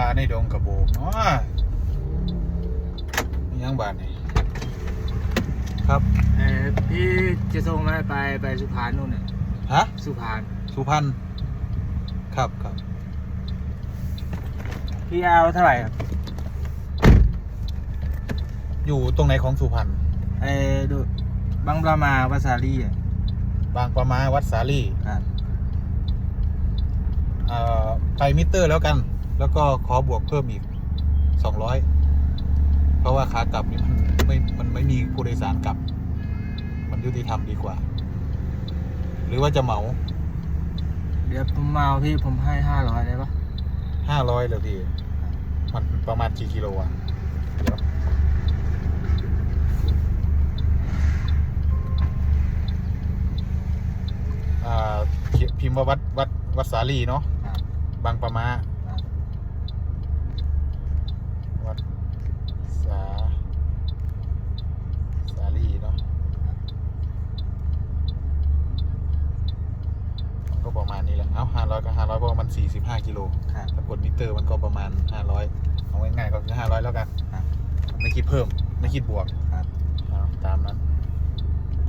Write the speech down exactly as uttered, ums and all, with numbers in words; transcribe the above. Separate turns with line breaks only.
ในดงกระโบกเนาะยังบานนี่ครับ
เออพี่จะส่งอะไรไปไปสุพรรณนู่นน่ะ
ฮะ
สุพรรณ
สุพรรณครับครับ
พี่เอาเท่าไหร่ครับ
อยู่ตรงไหนของสุพรรณ
เออดูบางประมาวัดสาลีอ่ะ
บางประมาวัดสาลี
ครับ
เอ่อไปมิเตอร์แล้วกัน แล้วก็ขอบวกเพิ่มอีกสองร้อยเพราะว่าขากลับนี่มันไม่มันไม่มีผู้โดยสารกลับ มันยุติธรรมดีกว่า หรือว่าจะเหมา
เดี๋ยวผมเมาพี่ผมให้ห้าร้อยได้ปะ
ห้าร้อยเลยพี่มันประมาณกี่กิโลอ่ะเดี๋ยวอ่าพิมพ์ว่าวัดวัดวัดสาลีเนาะ
ครับ
บางประมา
ครับ
วัดสาสาลีเนาะมันก็ประมาณนี้แหละเอ้าห้าร้อยก็ห้าร้อยเพราะว่ามันสี่สิบห้ากิโล
ครับ
ถ้ากดมิเตอร์มันก็ประมาณห้าร้อยเอาง่ายๆก็คือห้าร้อยแล้วกัน
ครับ
ไม่คิดเพิ่มไม่คิดบวก
ครับ